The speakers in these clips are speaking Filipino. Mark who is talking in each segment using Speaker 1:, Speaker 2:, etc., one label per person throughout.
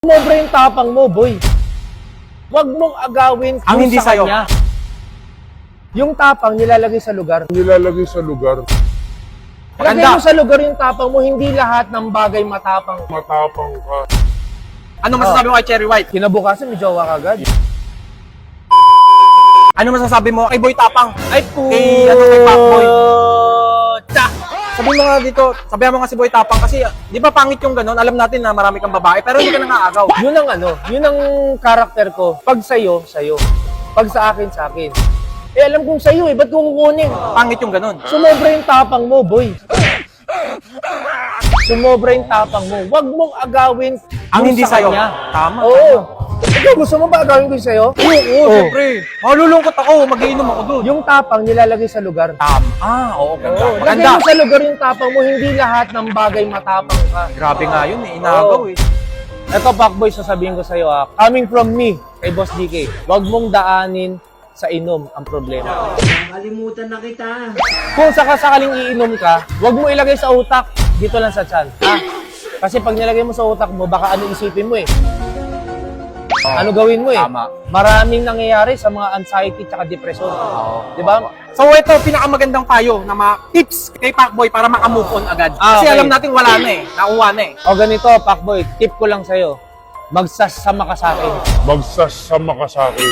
Speaker 1: Sumobra yung tapang mo, boy. Huwag mong agawin
Speaker 2: Ang hindi
Speaker 1: sa
Speaker 2: sa'yo.
Speaker 1: kanya. Yung tapang nilalagay sa lugar.
Speaker 3: Nilalagay sa lugar.
Speaker 1: Lagay mo sa lugar yung tapang mo, hindi lahat ng bagay matapang.
Speaker 3: Matapang ka.
Speaker 2: Ano masasabi mo kay Cherry White?
Speaker 1: Kinabukasan, may jowa ka agad.
Speaker 2: Ano masasabi mo kay Boy Tapang?
Speaker 1: Ay, po.
Speaker 2: Kay Pacboy. Sabi mo nga dito, sabihan mo nga si Boy Tapang kasi di ba pangit yung gano'n? Alam natin na marami kang babae pero hindi ka nangaagaw.
Speaker 1: Yun ang yun ang karakter ko. Pag sa'yo, sa'yo. Pag sa akin, sa akin. Eh, alam kong sa'yo eh, ba't ko kukunin?
Speaker 2: Pangit yung gano'n.
Speaker 1: Sumobra yung tapang mo, boy. Sumobra yung tapang mo. Huwag mong agawin
Speaker 2: Ang
Speaker 1: yung
Speaker 2: hindi
Speaker 1: sa
Speaker 2: sa'yo.
Speaker 1: kanya.
Speaker 2: Tama.
Speaker 1: Oo. Ikaw, gusto mo ba agawin ko yung sa'yo?
Speaker 2: Oo, siyempre. Malulungkot ako, mag-iinom ako doon.
Speaker 1: Yung tapang nilalagay sa lugar.
Speaker 2: Oo, ganda.
Speaker 1: Oo, lagay
Speaker 2: Maganda.
Speaker 1: mo sa lugar yung tapang mo, hindi lahat ng bagay matapang ka.
Speaker 2: Grabe nga yun eh, inaagaw
Speaker 1: Oo.
Speaker 2: eh.
Speaker 1: Ito, Pacboy, sasabihin ko sa'yo coming from me, kay Boss DK, huwag mong daanin sa inom ang problema.
Speaker 4: Kalimutan na kita.
Speaker 1: Kung sakasakaling iinom ka, huwag mo ilagay sa utak, dito lang sa tiyan. Ha? Kasi pag nilagay mo sa utak mo, baka ano isipin mo eh. Ano gawin mo eh?
Speaker 2: Tama.
Speaker 1: Maraming nangyayari sa mga anxiety at depression. Di ba?
Speaker 2: So ito, pinakamagandang payo na mga tips kay Pacboy para makamove on agad. Kasi
Speaker 1: Okay.
Speaker 2: alam natin wala na eh, nakuha na eh.
Speaker 1: O ganito, Pacboy, tip ko lang sa'yo. Magsasama ka sa akin.
Speaker 3: Magsasama ka sa akin.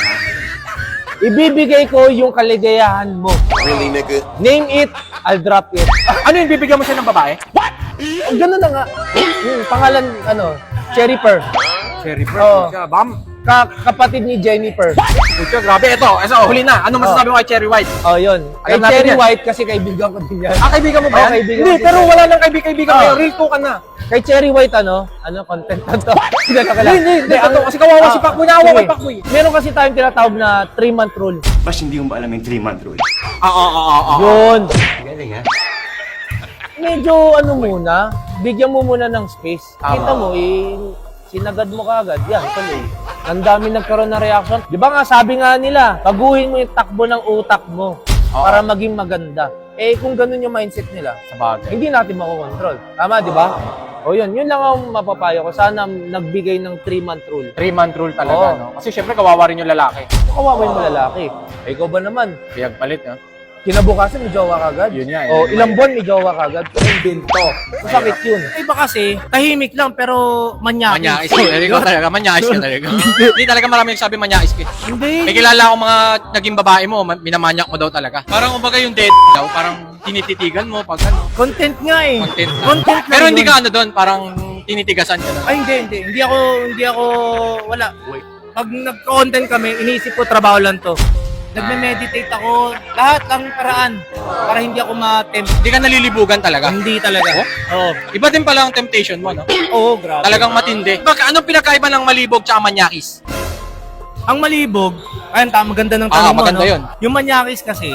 Speaker 1: Ibibigay ko yung kaligayahan mo.
Speaker 5: Really, nigga?
Speaker 1: Name it, I'll drop it.
Speaker 2: Ano yung bibigyan mo siya ng babae?
Speaker 1: O, ganun na nga. Yung pangalan, Cherry Pearl.
Speaker 2: Cherry
Speaker 1: Oo.
Speaker 2: Siya, bam.
Speaker 1: Kapatid ni Jennifer.
Speaker 2: Pucha, grabe. Ito, huli na. Ano masasabi mo kay Cherry White?
Speaker 1: Oh, yun. Kay
Speaker 2: Alam natin
Speaker 1: Cherry
Speaker 2: yan.
Speaker 1: White kasi kaibigan ko din yan.
Speaker 2: Kaibigan mo ba
Speaker 1: Oo,
Speaker 2: yan?
Speaker 1: kaibigan
Speaker 2: Hindi,
Speaker 1: ko din
Speaker 2: pero
Speaker 1: yan.
Speaker 2: wala lang kaibigan
Speaker 1: Oo.
Speaker 2: kayo. Real to ka na.
Speaker 1: Kay Cherry White, content na to. Hindi,
Speaker 2: Hindi, totoo. Kasi kawawa si Pacboy. Naawa kay Pacboy.
Speaker 1: Meron kasi tayong tinatawag na 3-month rule.
Speaker 5: Bas, hindi mo ba alam yung 3-month rule?
Speaker 1: Yun.
Speaker 5: Galing, ha?
Speaker 1: Medyo muna, bigyan mo muna ng space. Kita mo, sinagad mo kaagad. Yan, tuloy. Ang dami nagkaroon ng reaction. Di ba nga, sabi nga nila, baguhin mo yung takbo ng utak mo para maging maganda. Eh, kung ganun yung mindset nila,
Speaker 2: Sabagay.
Speaker 1: hindi natin makokontrol. Tama, di ba? O yun lang ang mapapayo ko. Sana nagbigay ng 3-month rule.
Speaker 2: 3-month rule talaga,
Speaker 1: Oo.
Speaker 2: no? Kasi syempre kawawa rin yung lalaki.
Speaker 1: Kawawa yung lalaki. Eh, ikaw ba naman?
Speaker 2: Biyag palit, no?
Speaker 1: Kinabukasan, may jowa ka agad.
Speaker 2: Yun nga,
Speaker 1: O,
Speaker 2: yun.
Speaker 1: ilang buwan may jowa ka agad. Binto. Masakit yun.
Speaker 6: Iba kasi, tahimik lang pero manyakis.
Speaker 2: Manyais ka talaga, talaga. Manyais ka talaga. Hindi talaga marami nagsabi manyais ka.
Speaker 6: Hindi.
Speaker 2: May kilala akong mga naging babae mo, minamanyak mo daw talaga. Parang kumbaga yung dead daw, parang tinititigan mo pag ano,
Speaker 6: Content nga eh.
Speaker 2: content na.
Speaker 6: Content lang
Speaker 2: Pero hindi
Speaker 6: yun.
Speaker 2: ka doon, parang tinitigasan ka na.
Speaker 6: Ay, hindi. Hindi ako, wala. Pag nag-content kami, iniisip ko trabaho lang to. Nagme-meditate ako, lahat ng paraan para hindi ako ma-tempt.
Speaker 2: Hindi ka nalilibugan talaga.
Speaker 6: Hindi talaga. Oo.
Speaker 2: Iba din pala ang temptation mo, no?
Speaker 6: Oo, grabe.
Speaker 2: Talagang matindi. Baka anong pinakaiba ng malibog tsaka manyakis?
Speaker 6: Ang malibog, ayun, maganda ng tanong mo,
Speaker 2: maganda
Speaker 6: no?
Speaker 2: yun.
Speaker 6: Yung manyakis kasi,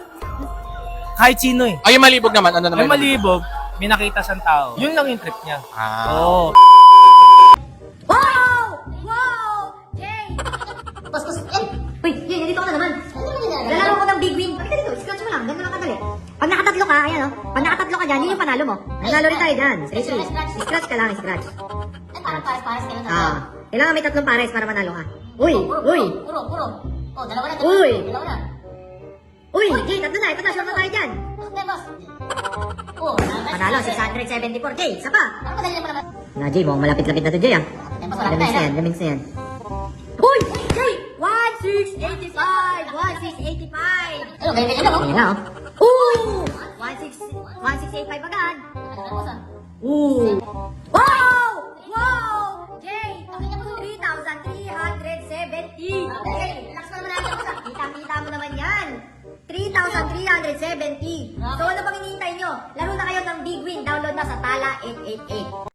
Speaker 6: kahit sino eh.
Speaker 2: Ay, yung malibog naman, ano naman?
Speaker 6: Yung malibog, may nakita siyang tao. Yun lang yung trip niya. Oo.
Speaker 7: Wow! Wow! Jay! Pas. Uy, Jay, nandito ka na naman. Dala ko ng big win. Halika dito, scratch mo lang. Ganun lang kadali. Pag nakatatlo ka, ayan o. Pag nakatatlo ka dyan, yun yung panalo mo. Nanalo rin tayo dyan. Scratch ka lang, scratch.
Speaker 8: Eh, parang pares-pares kayo na.
Speaker 7: Kailangan may tatlong pares para manalo ka. Uy!
Speaker 8: Puro. Oh, dalawa na.
Speaker 7: Uy!
Speaker 8: Dalawa na.
Speaker 7: Uy, Jay, tatlo na. Ito na, sure na tayo dyan.
Speaker 8: Bakit boss? Oh,
Speaker 7: Panalo, 674. Jay, isa pa.
Speaker 8: Parang madali naman naman.
Speaker 7: Na, Jay, mukhang malapit-lapit na to, Jay, ah.
Speaker 8: Eh, boss, malapit na yan.
Speaker 7: Gamins na yan. Uy! Jay! 1685! 1685!
Speaker 8: Ayun, ganyan lang, oh.
Speaker 7: Ayan na, oh. Ooh! 1685 agad.
Speaker 8: Ano na, boss, ah?
Speaker 7: Ooh! Wow! Wow! Jay! 3,370!
Speaker 8: Okay, relax mo naman natin, boss, ah.
Speaker 7: Kita-kita mo naman yan! 3,370! So ano pang hinihintay nyo? Laro na kayo ng Big Win. Download na sa Tala 888.